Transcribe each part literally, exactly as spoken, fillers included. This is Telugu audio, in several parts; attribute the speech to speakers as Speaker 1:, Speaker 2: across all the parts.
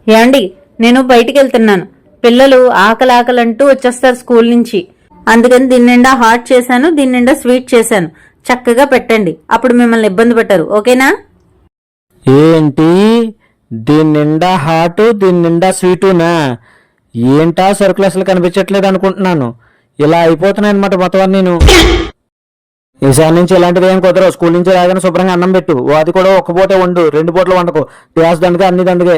Speaker 1: ఏమండి, నేను బయటికి వెళ్తున్నాను. పిల్లలు ఆకలి ఆకలంటూ వచ్చేస్తారు స్కూల్ నుంచి. అందుకని దీని నిండా హాట్ చేశాను, దీని నిండా స్వీట్ చేశాను. చక్కగా పెట్టండి, అప్పుడు మిమ్మల్ని ఇబ్బంది పెట్టరు. ఓకేనా?
Speaker 2: ఏంటి దీని నిండా హాటు దీని నిండా స్వీటునా? ఏంటా సరుకులు అసలు కనిపించట్లేదు అనుకుంటున్నాను. ఇలా అయిపోతున్నాయి అనమాట మొత్తం నేను. ఈసారి నుంచి ఇలాంటివి ఏం కుదరవు. స్కూల్ నుంచి రాగానే శుభ్రంగా అన్నం పెట్టు. అది కూడా ఒక్క పూటే వండు, రెండు పూటలు వండకు. గ్యాస్ దండగా అన్ని దండగే.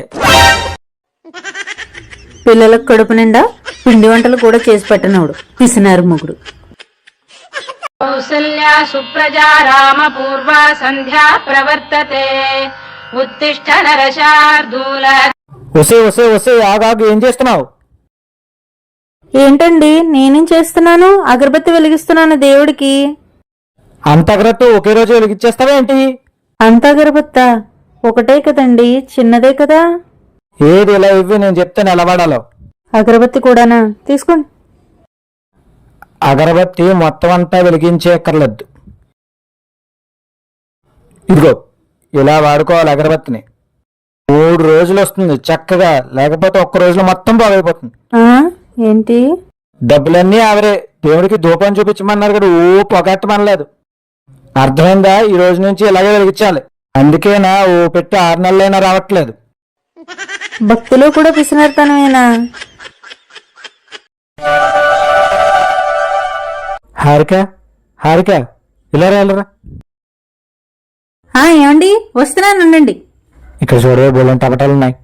Speaker 1: పిల్లలకు కడుపు నిండా పిండి వంటలు కూడా చేసి పెట్టనవుడు పిసినారు మొగుడు.
Speaker 3: కౌసల్యా సుప్రజా రామ పూర్వ సంధ్యా ప్రవర్తతే ఉత్తిష్ఠ నరశార్దూల.
Speaker 2: వసే వసే వసే ఆగాగు, ఏం చేస్తున్నావు?
Speaker 1: ఏంటండి నేనేం చేస్తున్నాను? అగరబత్తి వెలిగిస్తున్నాను దేవుడికి.
Speaker 2: అంత అగరత్తు ఒకే రోజు వెలిగిచ్చేస్తావా ఏంటి?
Speaker 1: అంత అగరబత్తా? ఒకటే కదండి, చిన్నదే కదా.
Speaker 2: ఏది ఇలా ఇవ్వి, నేను చెప్తాను ఎలా వాడాలో.
Speaker 1: అగరబత్తి కూడానా? తీసుకోండి.
Speaker 2: అగరబత్తి మొత్తం అంతా వెలిగించేక్కర్లేదు. ఇదిగో ఇలా వాడుకోవాలి అగరబత్తిని. మూడు రోజులు వస్తుంది చక్కగా, లేకపోతే ఒక్క రోజులో మొత్తం బాగైపోతుంది.
Speaker 1: ఏంటి?
Speaker 2: డబ్బులన్నీ ఆవరే. దేవుడికి ధూపం చూపించమన్నారు కదా, ఓ పొగట్టమనలేదు. అర్థమైందా? ఈ రోజు నుంచి ఇలాగే వెలిగించాలి. అందుకేనా ఓ పెట్టి ఆరు నెలలైనా రావట్లేదు.
Speaker 1: భక్తిలో కూడా పిసినర్తనమేనా?
Speaker 2: హారిక హారిక ఇలా రాలరా.
Speaker 1: ఏమండి, వస్తున్నానండి.
Speaker 2: ఇక్కడ చూడవే బోలం టపటాలున్నాయి.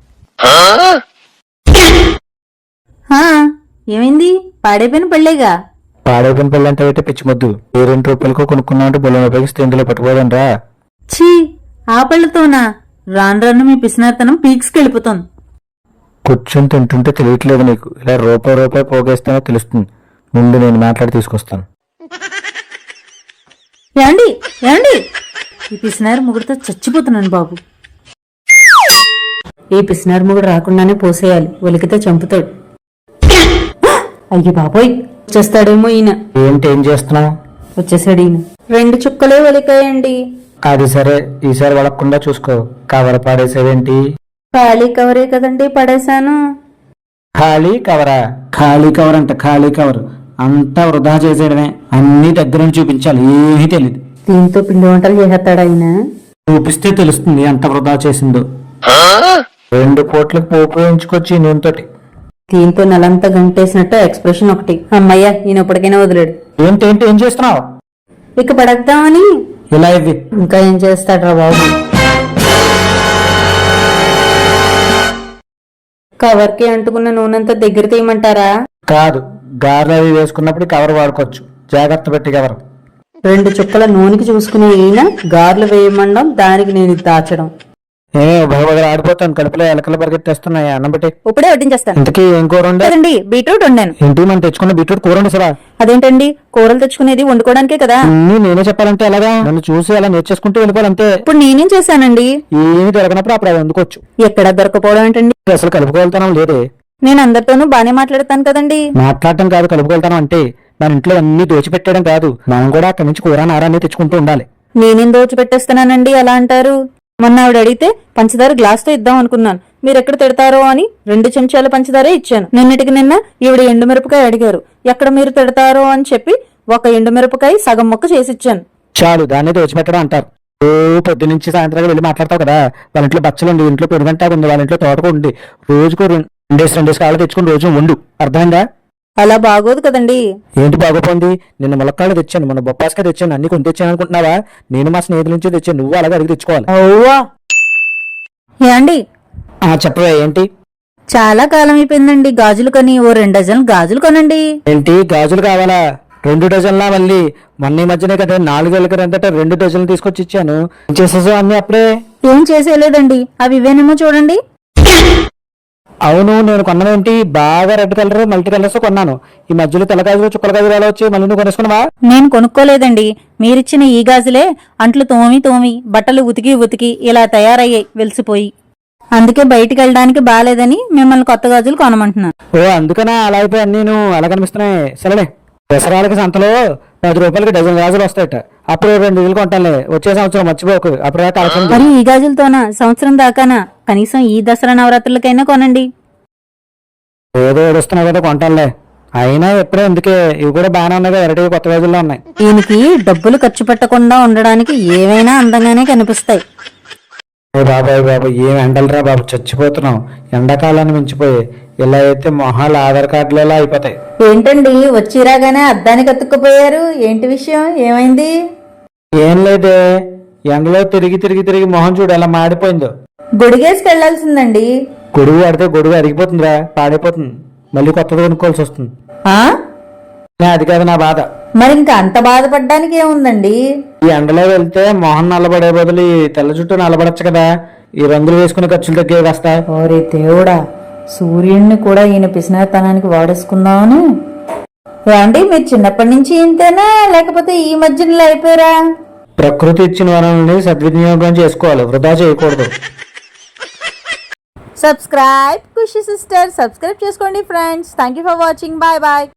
Speaker 1: ఏమైంది? పాడైపోయిన పళ్ళేగా.
Speaker 2: పాడైపోయిన పళ్ళు అంటే అయితే పిచ్చి మొద్దు. ఏ రెండు రూపాయలకు కొనుక్కున్నామంటే బొల్లం ఉపయోగిస్తే ఇందులో పట్టుకోదని రా.
Speaker 1: ఛీ, ఆ పళ్ళతోనా? రాను రాను మీ పిసినార్తనం పీక్స్కి వెళ్ళిపోతుంది.
Speaker 2: కూర్చొని తింటుంటే తెలియట్లేదు నీకు. ఇలా రూపాయి రూపాయి పోగేస్తేనే తెలుస్తుంది. ముందు నేను మాట్లాడి తీసుకొస్తాను.
Speaker 1: ఏమండి ఏమండి, ఈ పిసినారు ముగుడితో చచ్చిపోతున్నాను బాబు. ఈ పిసినారు ముగుడు రాకుండానే పోసేయాలి, ఒలికితే చంపుతాడు. అయ్యి బాబోయ్, వచ్చేస్తాడేమో ఈయన.
Speaker 2: ఏంటి ఏం చేస్తున్నావు?
Speaker 1: వచ్చేసాడు ఈయన. రెండు చుక్కలే ఒలికాయండి.
Speaker 2: అది సరే, ఈసారి వడకుండా చూసుకో. కవర్ పాడేసేవేంటి?
Speaker 1: ఖాళీ కవరే కదండి, పడేశాను.
Speaker 2: ఖాళీ కవరా? ఖాళీ కవర్ అంట, ఖాళీ కవర్. అంతా వృధా చేసేయడమే. అన్ని దగ్గర నుంచి చూపించాలి, ఏమీ తెలియదు.
Speaker 1: దీంతో పిండి వంటలు చేసేస్తాడు ఆయన.
Speaker 2: చూపిస్తే తెలుస్తుంది ఎంత వృధా చేసిందో. రెండు పూట్లకు పోపు వేయించుకొచ్చి నూనెతోటి.
Speaker 1: దీంతో నెలంతా గంటేసినట్టు ఎక్స్ప్రెషన్ ఒకటి. అమ్మయ్యా, ఈయన ఎప్పటికైనా వదిలేడు.
Speaker 2: ఏంటేంటి ఏం చేస్తున్నావు?
Speaker 1: ఇక పడేద్దామని.
Speaker 2: ఇలా ఇవి.
Speaker 1: ఇంకా ఏం చేస్తాడ్రా బాబు? కవర్ కి అంటుకున్న నూనెంతా దగ్గర తీయమంటారా?
Speaker 2: కాదు, గారెలు అవి వేసుకున్నప్పుడు కవర్ వాడుకోవచ్చు. జాగ్రత్త పెట్టి కవర్.
Speaker 1: రెండు చుక్కల నూనెకి చూసుకునే ఈయన గారెలు వేయమండం, దానికి నేను ఇది దాచడం.
Speaker 2: ఏ భగవద్ ఆడిపోతాను, కడుపులో ఎలకలు పరిగెత్తేస్తున్నాయి. అన్నం పెట్టి
Speaker 1: ఇప్పుడే వడ్డించేస్తాను.
Speaker 2: ఇంతకీ ఏం కూర
Speaker 1: ఉండండి? బీట్రూట్ వండాను.
Speaker 2: ఏంటి మనం తెచ్చుకున్న బీట్రూట్ కూర వండి సరా?
Speaker 1: అదేంటండి, కూరలు తెచ్చుకునేది వండుకోవడానికే కదా.
Speaker 2: నేనే చెప్పాలంటే ఎలాగా? నన్ను చూసి అలా నేర్చేసుకుంటూ వెళ్ళిపోవాలంతే.
Speaker 1: ఇప్పుడు నేనేం చేశానండి?
Speaker 2: ఏమి దొరకనప్పుడు అప్పుడు అది వండుకోవచ్చు.
Speaker 1: ఎక్కడ దొరకపోవడం ఏంటండి?
Speaker 2: అసలు కలుపుకోగలుగుతాను లేదే.
Speaker 1: నేను అందరితోనూ బానే మాట్లాడతాను కదండి.
Speaker 2: మాట్లాడటం కాదు, కలుపుకెళ్తాను అంటే మన ఇంట్లో అన్ని దోచిపెట్టడం కాదు. మనం కూడా అక్కడి నుంచి కూర నారాన్ని తెచ్చుకుంటూ ఉండాలి.
Speaker 1: నేనేం దోచిపెట్టేస్తున్నానండి అలా అంటారు? మొన్న ఆవిడ అడిగితే పంచదార గ్లాస్ తో ఇద్దాం అనుకున్నాను. మీరు ఎక్కడ తిడతారో అని రెండు చెంచాల పంచదారే ఇచ్చాను. నిన్నటికి నిన్న ఈవిడ ఎండుమిరపకాయ అడిగారు. ఎక్కడ మీరు తిడతారో అని చెప్పి ఒక ఎండుమిరపకాయ సగం ముక్క చేసిచ్చాను.
Speaker 2: చాలు, దాన్ని దోచిపెట్టడం అంటారు. ఓ పొద్దు నుంచి సాయంత్రం వెళ్ళి మాట్లాడతావు కదా. వాళ్ళ ఇంట్లో బచ్చలు ఉంది, ఇంట్లో పెరుగంటాకు ఉంది, వాళ్ళ ఇంట్లో తోటకు ఉంది. రోజుకు రెండేసి రెండేసి కాళ్ళు తెచ్చుకుని రోజు వండు. అర్థమైందా?
Speaker 1: అలా బాగోదు కదండి.
Speaker 2: ఏంటి బాగోపోంది? నిన్న ములక్కాళ్ళు తెచ్చాను, మొన్న బొప్పాస్కాయ తెచ్చాను, అన్ని కొని తెచ్చాను అనుకుంటున్నావా? నేను మా స్నేహితుల నుంచి తెచ్చాను, నువ్వు అలాగే అడిగి తెచ్చుకోవాలి.
Speaker 1: ఓవా ఏండి?
Speaker 2: చెప్పవే ఏంటి?
Speaker 1: చాలా కాలం అయిపోయిందండి గాజులు కొని. ఓ రెండు డజన్లు గాజులు కొనండి.
Speaker 2: ఏంటి గాజులు కావాలా? రెండు డజన్లా? మళ్ళీ మొన్న ఈ మధ్యనే కదా నాలుగేళ్ళ క్రిందట రెండు డజన్లు తీసుకొచ్చి ఇచ్చాను. చేసేసా అన్ని అప్పుడే?
Speaker 1: ఏం చేసేయలేదండి, అవి ఇవేనేమో చూడండి.
Speaker 2: అవును, నేను కొన్నానేంటి? బాగా రెడ్ కలర్ మల్టీ కలర్స్ కొన్నాను. ఈ మధ్యలో తెల్ల గాజులు చుక్కల గాజులు ఎలా వచ్చి మళ్ళీ నువ్వు కొనుక్కున్నావా?
Speaker 1: నేను కొనుక్కోలేదండి, మీరిచ్చిన ఈ గాజులే అంట్లు తోమి తోమి బట్టలు ఉతికి ఉతికి ఇలా తయారయ్యాయి వెలిసిపోయి. అందుకే బయటికి వెళ్ళడానికి బాలేదని మిమ్మల్ని కొత్త గాజులు కొనమంటున్నాను.
Speaker 2: ఓ అందుకనా అలా అయిపోయి అన్ని అలా కనిపిస్తున్నాయి. సరేలే, దసరాలకి సంతలో పది రూపాయలకి డజన్ గాజులు వస్తాయట. అప్పుడు రెండు ఇల్లు కొంటానులే, వచ్చే సంవత్సరం మర్చిపోకు, అప్పుడు తలసం
Speaker 1: మరి ఈ గాజులతోనా సంవత్సరం దాకానా? కనీసం ఈ దసరా నవరాత్రులకైనా కొనండి.
Speaker 2: ఏదో ఏడుస్తున్నావు కదా కొంటానులే. అయినా ఎప్పుడే ఎందుకే, ఇవి కూడా బాగానే ఉన్నాయి కదా, వెరైటీ కొత్త గాజుల్లో ఉన్నాయి.
Speaker 1: దీనికి డబ్బులు ఖర్చు పెట్టకుండా ఉండడానికి ఏవైనా అందంగానే కనిపిస్తాయి.
Speaker 2: ఓ బాబాయ్ బాబు, ఏం ఎండలరా బాబు, చచ్చిపోతున్నాం. ఎండాకాలాన్ని మించిపోయి ఇలా అయితే మొహాలు ఆధార్ కార్డులలో అయిపోతాయి.
Speaker 1: ఏంటండి వచ్చిరాగానే అద్దానికి అతుక్కుపోయారు? ఏంటి విషయం, ఏమైంది?
Speaker 2: ఏం లేదే, ఎండలో తిరిగి తిరిగి తిరిగి మొహం చూడు ఎలా మాడిపోయిందో.
Speaker 1: గొడిగేసుకెళ్లాల్సిందండి.
Speaker 2: గొడుగు పడితే గొడుగు అరిగిపోతుందిరా, పాడైపోతుంది, మళ్ళీ కొత్తది కొనుక్కోవాల్సి వస్తుంది.
Speaker 1: ఆ
Speaker 2: అది కాదు నా బాధ.
Speaker 1: మరి ఇంకా అంత బాధపడ్డానికి ఏముందండి?
Speaker 2: ఈ ఎండలో వెళ్తే మొహం నల్లబడే బదులు ఈ తెల్ల చుట్టూ నల్లబడచ్చు కదా, ఈ రంగులు వేసుకునే ఖర్చులు తగ్గే కాస్త.
Speaker 1: ఓరే దేవుడా, సూర్యుడిని కూడా ఈయన పిసినాతనానికి వాడేసుకుందామని. ఏమండి మీరు చిన్నప్పటి నుంచి ఇంతేనా, లేకపోతే ఈ మధ్యలో అయిపోయారా?
Speaker 2: ప్రకృతి ఇచ్చిన వనరుల్ని సద్వినియోగం చేసుకోవాలి, వృధా చేయకూడదు.
Speaker 1: సబ్స్క్రైబ్ ఖుషి సిస్టర్, సబ్స్క్రైబ్ చేసుకోండి friends. Thank you for watching. Bye bye.